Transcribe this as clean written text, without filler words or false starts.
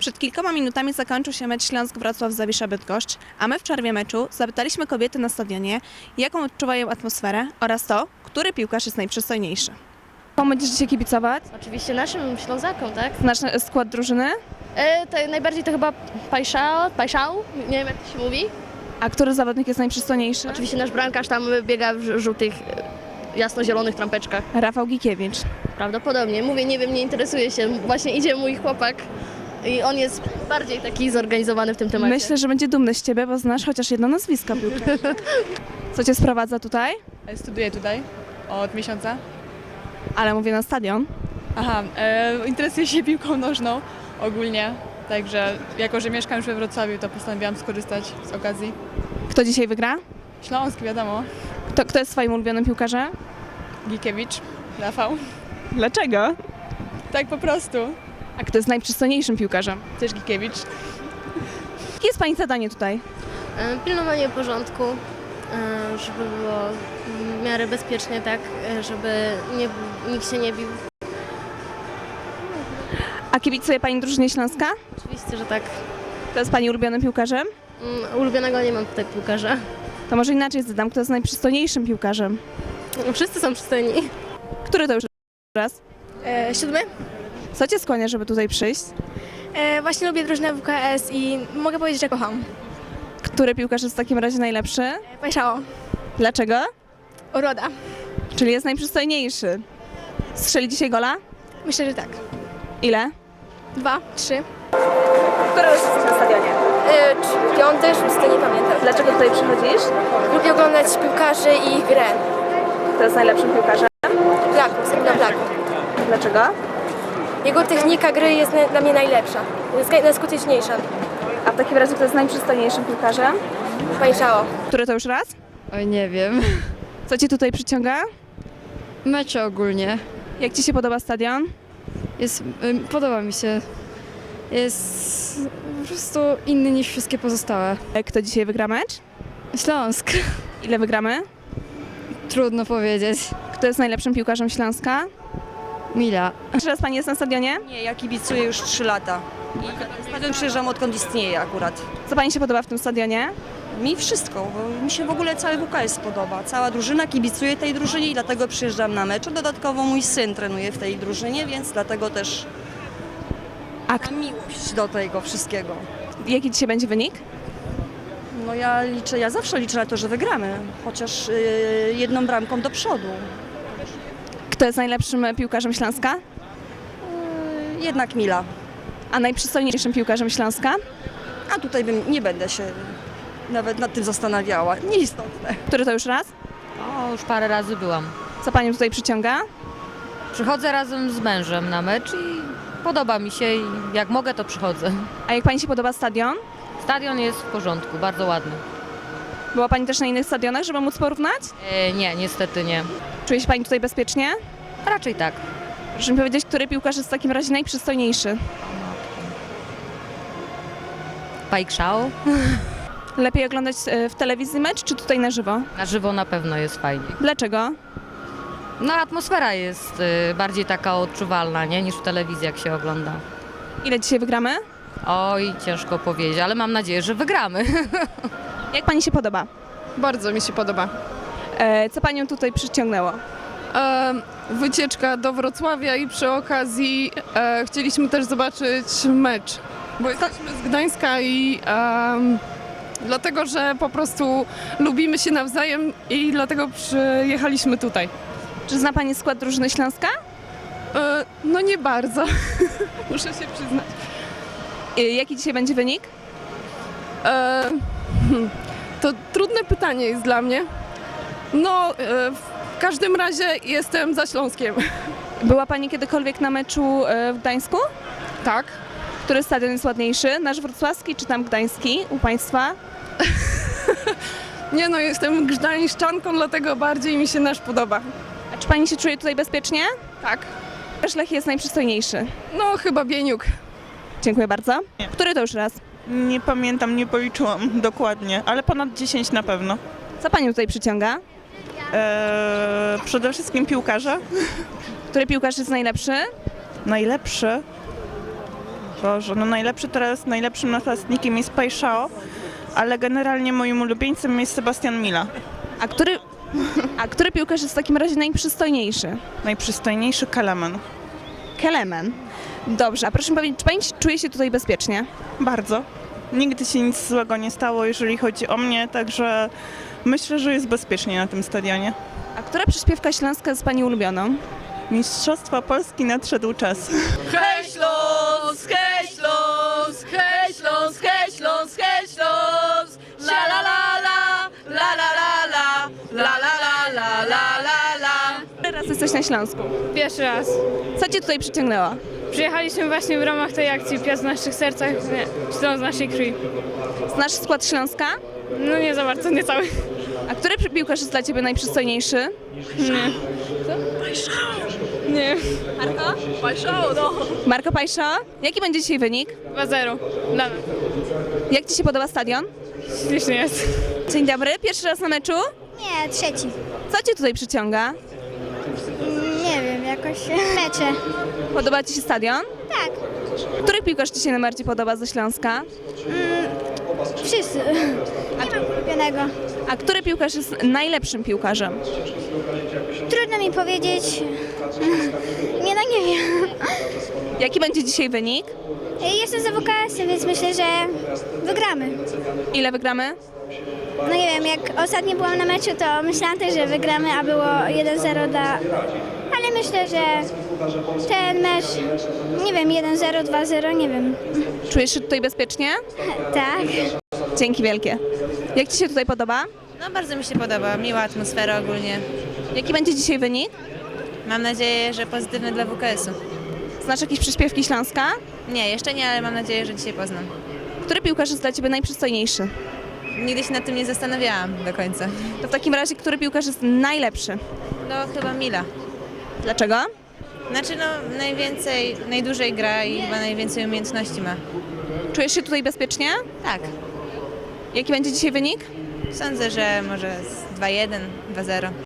Przed kilkoma minutami zakończył się mecz Śląsk-Wrocław-Zawisza-Bydgoszcz, a my w przerwie meczu zapytaliśmy kobiety na stadionie, jaką odczuwają atmosferę oraz to, który piłkarz jest najprzystojniejszy. Komu będziesz dzisiaj kibicować? Oczywiście naszym Ślązakom, tak? Znasz skład drużyny? To najbardziej to chyba Pajszał, nie wiem jak to się mówi. A który zawodnik jest najprzystojniejszy? Oczywiście nasz bramkarz tam biega w żółtych, jasno-zielonych trampeczkach. Rafał Gikiewicz. Prawdopodobnie. Mówię, nie wiem, nie interesuje się. Właśnie idzie mój chłopak i on jest bardziej taki zorganizowany w tym temacie. Myślę, że będzie dumny z ciebie, bo znasz chociaż jedno nazwisko piłkarza. Co cię sprowadza tutaj? Studiuję tutaj od miesiąca. Ale mówię na stadion. Aha, interesuję się piłką nożną ogólnie, także jako, że mieszkam już we Wrocławiu, to postanowiłam skorzystać z okazji. Kto dzisiaj wygra? Śląsk, wiadomo, Kto jest twoim ulubionym piłkarzem? Gikiewicz, Rafał. Dlaczego? Tak po prostu. A kto jest najprzystojniejszym piłkarzem? Też Gikiewicz. Jakie jest pani zadanie tutaj? Pilnowanie porządku, żeby było w miarę bezpiecznie, tak? Żeby nikt się nie bił. A kibicuje pani drużynie Śląska? Oczywiście, że tak. Kto jest pani ulubionym piłkarzem? Ulubionego nie mam tutaj piłkarza. To może inaczej zadam, kto jest najprzystojniejszym piłkarzem? Wszyscy są przystojni. Który to już raz? 7. Co cię skłania, żeby tutaj przyjść? Właśnie lubię drużynę WKS i mogę powiedzieć, że kocham. Który piłkarz jest w takim razie najlepszy? Pajszało. Dlaczego? Uroda. Czyli jest najprzystojniejszy. Strzeli dzisiaj gola? Myślę, że tak. Ile? 2, 3. Który już jesteś na stadionie? 5, 6, nie pamiętam. Dlaczego tutaj przychodzisz? Lubię oglądać piłkarzy i ich grę. Kto jest najlepszym piłkarzem? Blaku, Sabina Blaku. Dlaczego? Jego technika gry jest dla mnie najlepsza. Jest najskuteczniejsza. A w takim razie kto jest najprzystojniejszym piłkarzem? Pajszało. Który to już raz? Oj, nie wiem. Co cię tutaj przyciąga? Mecze ogólnie. Jak ci się podoba stadion? Podoba mi się. Jest po prostu inny niż wszystkie pozostałe. Kto dzisiaj wygra mecz? Śląsk. Ile wygramy? Trudno powiedzieć. Kto jest najlepszym piłkarzem Śląska? Mila. Czy raz pani jest na stadionie? Nie, ja kibicuję już 3 lata. I stadion przyjeżdżam odkąd istnieje akurat. Co pani się podoba w tym stadionie? Mi wszystko, bo mi się w ogóle cały WKS podoba. Cała drużyna kibicuje tej drużynie i dlatego przyjeżdżam na mecz. Dodatkowo mój syn trenuje w tej drużynie, więc dlatego też mam miłość do tego wszystkiego. Jaki dzisiaj będzie wynik? No ja zawsze liczę na to, że wygramy, chociaż jedną bramką do przodu. Kto jest najlepszym piłkarzem Śląska? Jednak Mila. A najprzystojniejszym piłkarzem Śląska? A tutaj nie będę się nawet nad tym zastanawiała. Nieistotne. Który to już raz? O, już parę razy byłam. Co panią tutaj przyciąga? Przychodzę razem z mężem na mecz i podoba mi się i jak mogę, to przychodzę. A jak pani się podoba stadion? Stadion jest w porządku, bardzo ładny. Była pani też na innych stadionach, żeby móc porównać? Nie, niestety nie. Czuje się pani tutaj bezpiecznie? Raczej tak. Proszę mi powiedzieć, który piłkarz jest w takim razie najprzystojniejszy? Pajkszał. Lepiej oglądać w telewizji mecz, czy tutaj na żywo? Na żywo na pewno jest fajnie. Dlaczego? No atmosfera jest bardziej taka odczuwalna, nie, niż w telewizji jak się ogląda. Ile dzisiaj wygramy? Oj, ciężko powiedzieć, ale mam nadzieję, że wygramy. Jak pani się podoba? Bardzo mi się podoba. Co panią tutaj przyciągnęło? Wycieczka do Wrocławia i przy okazji chcieliśmy też zobaczyć mecz, bo jesteśmy z Gdańska i dlatego, że po prostu lubimy się nawzajem i dlatego przyjechaliśmy tutaj. Czy zna pani skład drużyny Śląska? No nie bardzo, muszę się przyznać. Jaki dzisiaj będzie wynik? To trudne pytanie jest dla mnie. No, w każdym razie jestem za Śląskiem. Była pani kiedykolwiek na meczu w Gdańsku? Tak. Który stadion jest ładniejszy? Nasz wrocławski czy tam gdański u państwa? Nie no, jestem gdańszczanką, dlatego bardziej mi się nasz podoba. A czy pani się czuje tutaj bezpiecznie? Tak. Lech jest najprzystojniejszy. No, chyba Bieniuk. Dziękuję bardzo. Który to już raz? Nie pamiętam, nie policzyłam dokładnie, ale ponad 10 na pewno. Co panią tutaj przyciąga? Przede wszystkim piłkarze. Który piłkarz jest najlepszy? Najlepszy. Boże, no najlepszym napastnikiem jest Pajszao, ale generalnie moim ulubieńcem jest Sebastian Mila. A który piłkarz jest w takim razie najprzystojniejszy? Najprzystojniejszy Kelemen. Kelemen. Dobrze, a proszę mi powiedzieć, czy pani czuje się tutaj bezpiecznie? Bardzo. Nigdy się nic złego nie stało, jeżeli chodzi o mnie, także myślę, że jest bezpiecznie na tym stadionie. A która przyśpiewka śląska jest pani ulubioną? Mistrzostwa Polski nadszedł czas. Hej Śląsk, hej Śląsk, hej Śląsk, hej Śląsk, hej Śląsk, la la la la, la la la la, la la la la la la. Teraz jesteś na Śląsku. Pierwszy raz. Co cię tutaj przyciągnęło? Przyjechaliśmy właśnie w ramach tej akcji Piast w naszych sercach, Śląsk w naszej krwi. Znasz skład Śląska? No nie za bardzo, nie cały. A który piłkarz jest dla ciebie najprzystojniejszy? Nie. Marco Pajszo? Jaki będzie dzisiaj wynik? 2-0. Dla nas. Jak ci się podoba stadion? Ślicznie jest. Dzień dobry, pierwszy raz na meczu? Nie, trzeci. Co cię tutaj przyciąga? Nie wiem, jakoś mecze. Podoba ci się stadion? Tak, Który piłkarz ci się najbardziej podoba ze Śląska? wszyscy. Nie mam ulubionego. A który piłkarz jest najlepszym piłkarzem? Trudno mi powiedzieć. Nie, no nie wiem. Jaki będzie dzisiaj wynik? Jestem za WKS-em, więc myślę, że wygramy. Ile wygramy? No nie wiem, jak ostatnio byłam na meczu, to myślałam też, że wygramy, a było 1-0 dla... Ale myślę, że ten mecz, nie wiem, 1-0, 2-0, nie wiem. Czujesz się tutaj bezpiecznie? Tak. Dzięki wielkie. Jak ci się tutaj podoba? No bardzo mi się podoba, miła atmosfera ogólnie. Jaki będzie dzisiaj wynik? Mam nadzieję, że pozytywny dla WKS-u. Znasz jakieś przyśpiewki Śląska? Nie, jeszcze nie, ale mam nadzieję, że dzisiaj poznam. Który piłkarz jest dla ciebie najprzystojniejszy? Nigdy się nad tym nie zastanawiałam do końca. To w takim razie, który piłkarz jest najlepszy? No chyba Mila. Dlaczego? Znaczy no najdłużej gra i chyba najwięcej umiejętności ma. Czujesz się tutaj bezpiecznie? Tak, Jaki będzie dzisiaj wynik? sądzę, że może z 2-1, 2-0.